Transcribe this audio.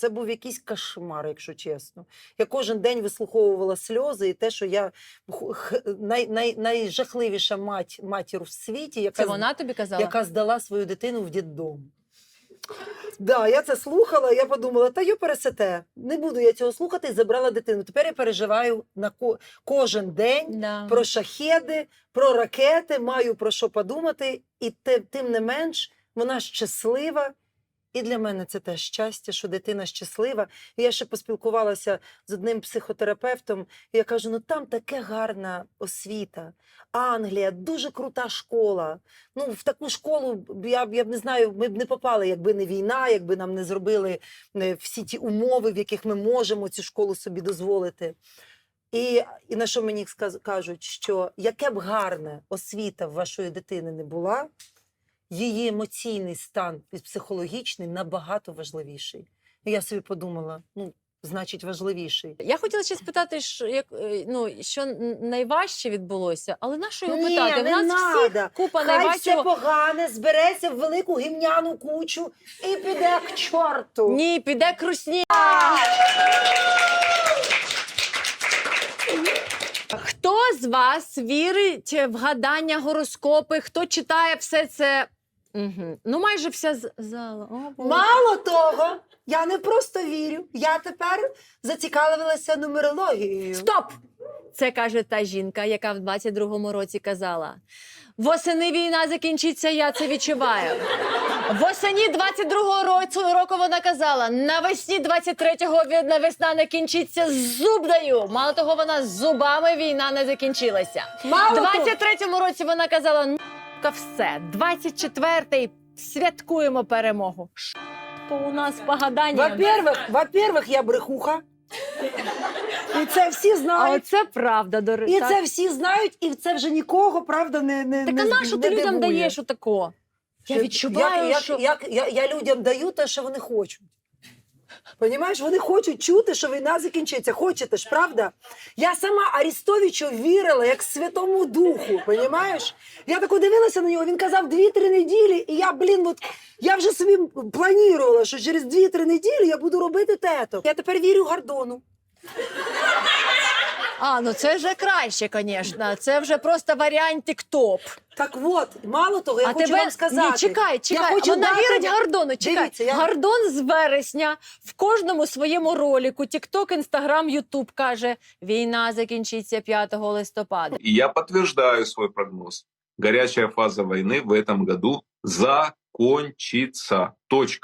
Це був якийсь кошмар, якщо чесно. Я кожен день вислуховувала сльози і те, що я найжахливіша матір в світі, Це вона тобі казала? яка здала свою дитину в дитдом. Да, я це слухала, я подумала, та йо пересете, не буду я цього слухати, і забрала дитину. Тепер я переживаю на кожен день про шахеди, про ракети, маю про що подумати, і тим не менш вона щаслива. І для мене це теж щастя, що дитина щаслива. І я ще поспілкувалася з одним психотерапевтом, і я кажу, ну там таке гарна освіта. Англія, дуже крута школа. Ну, в таку школу, я б не знаю, ми б не попали, якби не війна, якби нам не зробили всі ті умови, в яких ми можемо цю школу собі дозволити. І на що мені кажуть, що яке б гарна освіта в вашої дитини не була, її емоційний стан психологічний набагато важливіший. І я собі подумала, ну, значить, важливіший. Я хотіла ще спитати, що найважче відбулося, але на що його питати? Ні, в нас всіх купа найважчого. Хай все погане, збереться в велику гімняну кучу і піде к чорту. Ні, піде к русні. Хто з вас вірить в гадання, гороскопи? Хто читає все це? Угу. Ну, майже вся зала. Мало того, я не просто вірю, я тепер зацікавилася нумерологією. Стоп! Це каже та жінка, яка в 22-му році казала: восени війна закінчиться, я це відчуваю. Восені 22-го року вона казала: навесні 23-го весна не кінчиться, зуб даю. Мало того, вона з зубами війна не закінчилася. В 23-му році вона казала: ну, все, 24-й святкуємо перемогу. У нас погадання. Во-первых, я брехуха. І це всі знають. А оце правда, до речі. І це всі знають, і це вже нікого, правда, не Так а на що ти людям даєш отако? Я відчуваю, що... Я людям даю те, що вони хочуть. Понімаєш? Вони хочуть чути, що війна закінчиться. Хочете ж, правда? Я сама Арестовичу вірила, як Святому Духу, понімаєш? Я так дивилася на нього, він казав 2-3 неділі, і я вже собі планувала, що через 2-3 неділі я буду робити те-то. Я тепер вірю Гордону. А, ну це вже краще, звісно. Це вже просто варіантик топ. Так от, мало того, я хочу вам сказати. Ні, чекай. Вона вірить Гордону. Чекай. Дивіться, Гордон з вересня в кожному своєму ролику, TikTok, Instagram, YouTube каже: війна закінчиться 5 листопада. И я подтверждаю свой прогноз. Горячая фаза войны в этом году закончится. Точка.